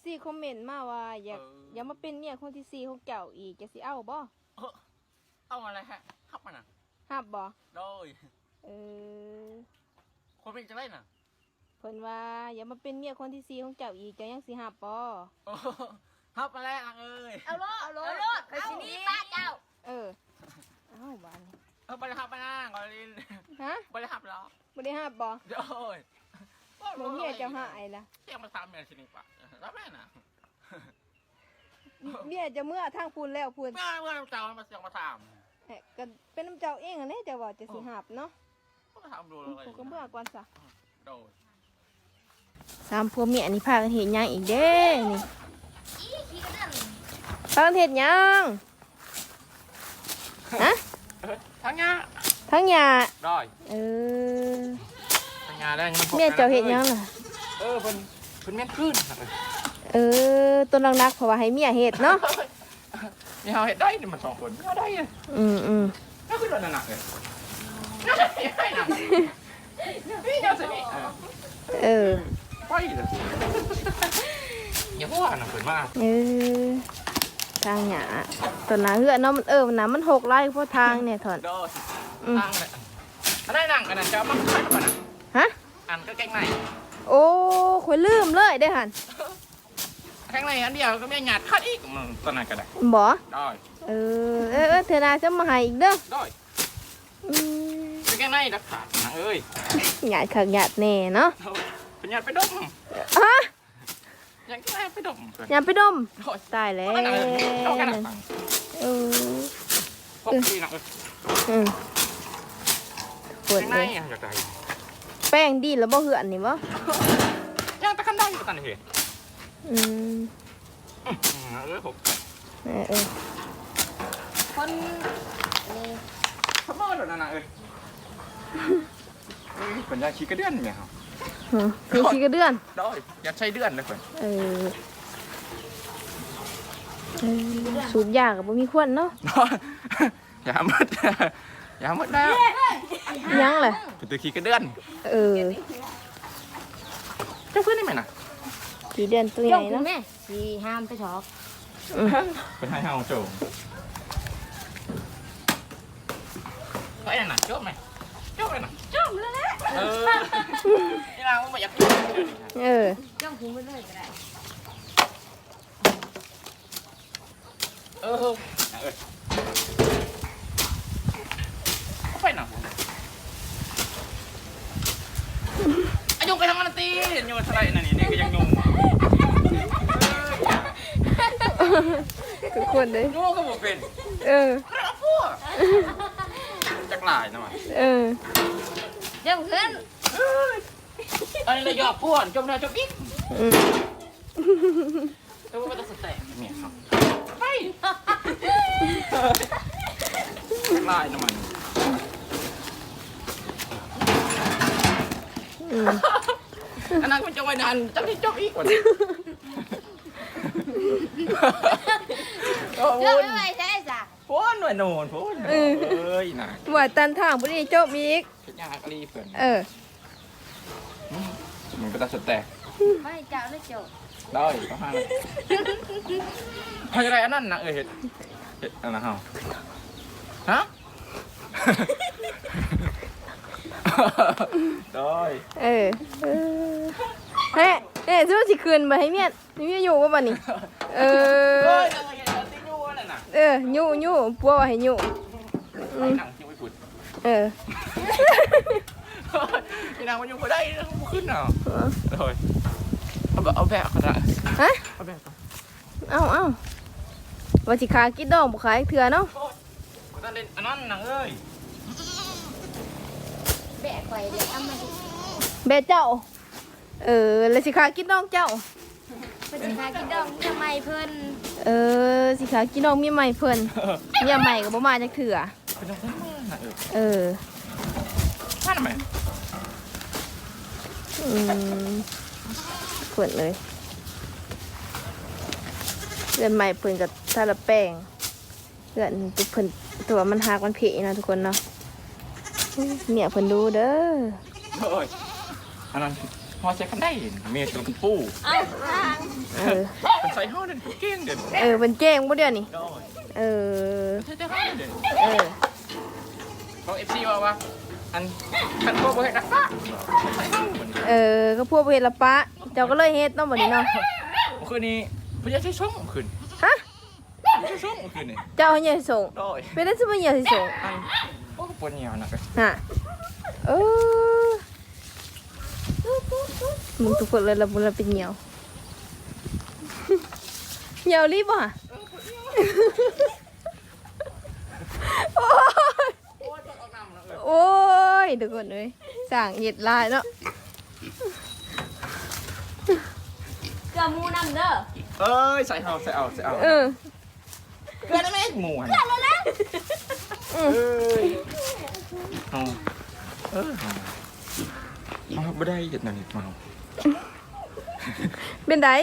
FC คอมเมนต์มาว่าอยากมาเป็นเมียคนที่4ของเจ้าอีกจะสิเอาบ่เอาอะไรฮะฮับมันน่ะฮับบ่โดยคนเป็นจังไดน่ะเพิ่นว่าอย่ามาเป็นเมียคนที่4ของเจ้าอีกเจ้ายังสิฮับบ่ฮับมาแล้วเอ้ยเอาโลดไปสินี้ป้าเจ้าเอาบ้านนี้บ่ได้ฮับมานั่งก่อนลินฮะบ่ได้ฮับหรอบ่ได้ฮับบ่โดยบ่เมียเจ้าหายล่ะเที่ยงมาถามแม่สินี่ปะรับแม่น่ะเมียจะเมื่อทางพูนแล้วพูนเมื่อเจ้ามาเสียงมาถามก็เป็นน้ำเจ้าเองอันนี้จะว่าจะสิฮับเนาะก็ถามดูเลยก็เมื่อก่อนซะโดย 3ผัวเมียนี่พากันเฮ็ดหยังอีกเด้นี่พากันเฮ็ดหยังฮะทั้งยาได้ทั้งยาได้เมียเจ้าเฮ็ดหยังล่ะเพิ่นแม่นขึ้นต้นรักๆเพราะว่าให้เมียเฮ็ดเนาะนี่เฮาเฮ็ดได้นี่มัน2คนเฮาได้น่าคือโดนหนักเลยน่าจะได้นะนี่เจ้าสิไปเลยอย่าว่าน่ะเพิ่นมาทางหญ้าต้นหน้าเฮือเนาะมันมันน่ะมัน6ไร่เพราะทางเนี่ยถอนทางเลยอันได้นั่งอันนั้นจะเอามาขายก่อนน่ะฮะอันก็แกงในโอ้ข่อยลืมเลยได้หั่นแกงในอันเดียวก็ไม่หยาดคัดอีกตอนนั้นก็ได้บ่ได้เธอน่าจะมาให้อีกเด้อได้เป็นแกงในรักษาเอ้ยหยาดคักหยาดแน่เนาะเป็นหยาดไปดมฮะหยาดไปดมหยาดไปดมตายแล้วพวกนี้นะปวดเลยอยากได้แป้งดีแล้วบ่เหือนนี่บ่ยังตะคันได้อยู่ตอนนี้คนขโมยหรอนั่นน่ะเป็นยาขี้กระเดื่อนไหมครับมีขี้กระเดื่อนได้อยากใช้เดื่อนเลยคนสูบยากับบ่มีควันเนาะอย่าหมดแล้วยังเลยเป็นตัวขี้กระเดื่อนเจ้าเพื่อนได้ไหมน่ะขี้เดือนตัวใหญ่เนาะสีห้ามไปถอกเป็นให้ห้ามโจก็ไอ้น่ะโจไหมโจเลยน่ะจมแล้วแหละนี่นางมันไม่อยากจ้องคุ้มไปเลยก็ได้ไปหน่ะอายุไปทำมันตีอยู่ทะเลนั่นนี่ก็ยังยุ่งทุกคนเลยยุ่งก็บ่เป็นแล้วพวกจักหลายนะมันเจ้าขึ้นอันนี้เลยหยอกพวกจมหน้าจมอีกแล้วว่าจะสแตกเนี่ยครับไปจักหลายนะมันอันนั้นมันจะไว้นานจะได้จบอีกกว่านี้เจ้าไม่ไหวใช่จ้ะพ้นหน่วยโน่นพ้นน่ะว่าตันทางพอดีจบอีกยากรีเพื่อนมันก็จะสแตกไม่เจ้าเลยโจได้ก็ห้าเลยอะไรอันนั้นนะเห็ดอันนั้นเหรอฮะได้เฮ้ยซื้อสิคืนมาให้เมียอยู่ว่าบ้านี้ยู่ปัวให้ยู่พี่นางมันอยู่บ่ได้ขึ้นเหรอเลยเอาแบบก็ได้ฮะเอาว่าสิขากินดองบุขายเถื่อเนาะนั่นเล่นอันนั้นนางเอ้ยแบะไข่เดี๋ยวเอามาดิแบะเจ้าแล้วสิขากินดองเจ้าเป็นสิขากินดองมีใหม่เพิ่นสิขากินดองมีใหม่เพิ่นเมียใหม่ก็บ่มาจักเถื่อท่านทำไมเพิ่นเลยเพื่อนใหม่เพิ่นกับทาละแป้งเพื่อนเพิ่นตัวมันหักมันเผ็ดนะทุกคนเนาะเมียเพิ่นดูเด้ออันนั้นพอใช้คันได้เมียตัวปูเอาทางเออเป็นใส่ห่อเดินเก่งเดินเป็นเจ้งบ่เดี๋ยวนี้ได้เออใช่ได้ห่อเดินเออเขาFCว่าอันคันโคบ่เฮ็ดรักษาใส่ห่อเหมือนก็พวกเวลาปะเจ้าก็เลยเฮ็ดเนาะบัดนี้เนาะคืนนี้พยาใช้ช่องคืนฮะใช้ช่องคืนนี่เจ้าให้ยายส่งได้เป็นได้สิบ่ยายสิส่งอันโอ้ปวดเหนียวนะฮะเออมึงทุกคนเลยละบุญละเป็นเหนียวเหนียวรีบอ่ะโอ้ยทุกคนเลยสั่งเห็ดลายเนาะเกลือหมูน้ำเด้อเอ้ยใส่เอาเออเกลือได้ไหมหมูหันเอ้ยเอาเอาไม่ได้เห็ดหนังเมาเป็นได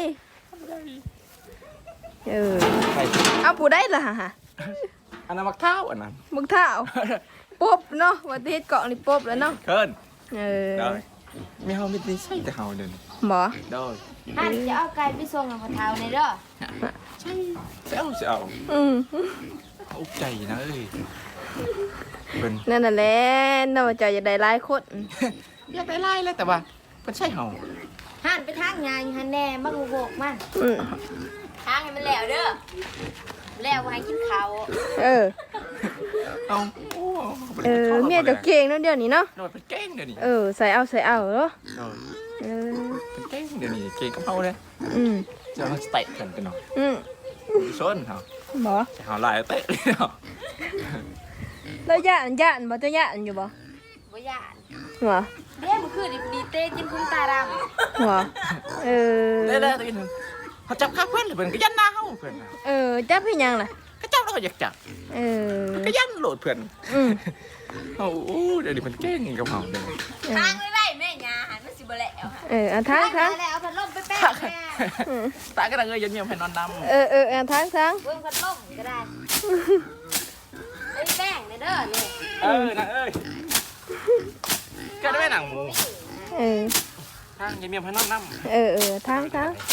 ใส่เอาปูได้ละฮะอันนั้นมักเท้าอันนั้นมึงเท้าปุ๊บเนาะวันที่เฮ็ดเกาะนี่ปุ๊บแล้วเนาะเกินเออได้ไม่เฮาไม่ได้ใส่แต่เฮาเดินหมอได้หันจะเอาไก่ไปส่งกับพ่อเฒ่าในเด้อใช่เอาอืมอุกใจนะเอ้ยเป็นนั่นน่ะแหละเนาะเจ้าจะได้หลายคนอยากได้ไล่เลยแต่ว่าเป็นใช่เฮาหันไปทางงานหันแน่บักโบกมันอืมทางให้มันแล้วเด้อแล้วให้กินข้าวเออเอาโอ้เมียเจ้าเก่งเนาะเดี๋ยวนี้เนาะโดนเป็นเก่งเดี๋ยวนี้ใส่เอาเนาะเออเป็นเก่งเดี๋ยวนี้เก่งกับเฮาเลยอืมจะมาเตะกันเนาะอืมส้นเฮาหมอจะเฮาลายเตะเลยเนาะแล้วย่านบ่เจ้าย่านอยู่บ่บ่ย่านหมอเด้มันคือดีเต้กินคุ้มตาดำหมอเออเด้ตีนึงเขาจับข้าเพื่อนเพื่อนก็ยันหน้าเฮาเพื่อนจับให้ยังล่ะก็จับแล้วก็อยากจับเออก็ยันโหลดเพื่อนอืมโอ้เดี๋ยวนี้มันเก่งกับเฮาเด้ทางไว้แม่ยาหันมันสิบ่แล้วเอาทางแล้วเอาพัดลมไปแป้งแม่ตาก็ได้เงยยันเมียมให้นอนนำเอาทางเบิ่งพัดลมก็ได้ไปแป้งเด้อนี่นะเอ้ยก็ได้หนังหมูเออทางยันเมียมให้นอนนำทาง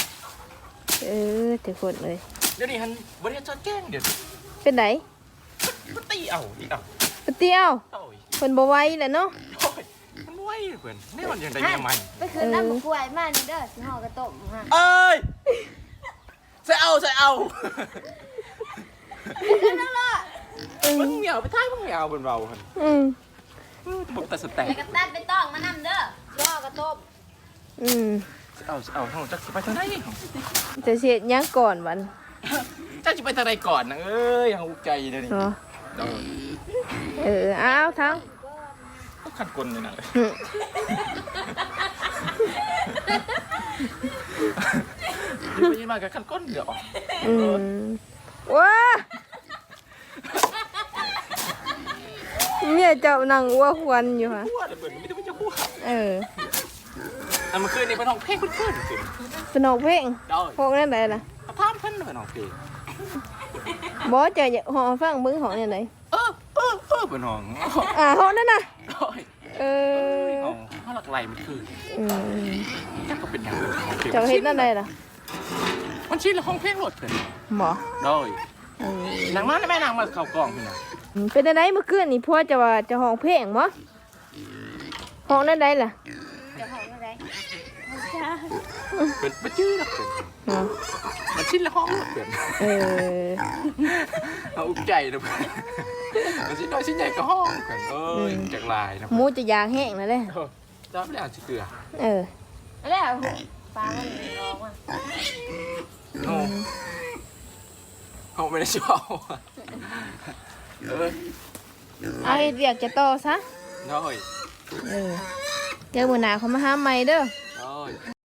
ทุกคนเลยเดี๋ยวนี้ฮันบริษัทแจ้งเดี๋ยวเป็นไหนมันตีเอาอีกเอาปะเตี้ยวโอ้ยเพิ่นบ่ไหวแหละเนาะโอ้ยมันไวเพื่อนนี่มันยังได้เมียใหม่ไปคืนน้ำกล้วยมานี่เด้อสิห่อกระต้มฮะเอ้ยใส่เอามึงเหนียวไปท้ายมึงเหนียวบนเราฮันอืมผมแต่สแต็กไปกระตัดไปต้องมานำเด้อห่อกระต้มอืมเอาทั้งจักไปทางไหนจะเสียดหยังก่อนวันจักจะไปทางไหนก่อนนะเอ้ยยังอุกใจเลยนี่เนาะเออเอาทางขัดกลเลยนะอืมยืนมากับขัดก้นเดี๋ยวอืมว้าเนี่ยเจ้านั่งอ้วกวันอยู่ฮะหัวเลยเปิดไม่ได้จะหัว เมื่อคืนนี่เป็นห้องเพลงเพื่อนๆสิสนุกเพลงได้พวกนั้นไหนล่ะถามเพื่อนเป็นห้องเพลงบอสจะหอฟังมึงหอเนี่ยไหนเป็นห้องหอนั่นน่ะห้องห้องหลักไหลมันคืออืมจักก็เป็นอย่างห้องเพลงเจ้าเฮ็ดนั่นใดล่ะมันชิ้นละห้องเพลงโหลดเพื่อนหมอได้นางมาแม่นางมาเข่ากล่องพี่นะเป็นอะไรเมื่อคืนนี่พ่อจะว่าจะห้องเพลงมั้ห้องนั่นใดล่ะจะห่ออะไรเป็นชื่อหลักเพื่อนอ๋อมันชิ้นละห้องหลักเพื่อนเออเอาอุกใจนะเพื่อนมันชิ้นน้อยชิ้นใหญ่ก็ห้องเพื่อนจากลายนะหมูจะยางแห้งแล้วเด้จ้าไม่ได้อ่านชื่อเกลือแล้วปลามันร้องอ่ะเขาไม่ได้ชอบเอาเฮ็ดเวียกจะต่อซะได้เดี๋ยวมื้อหน้าเขามาหาใหม่เด้อได้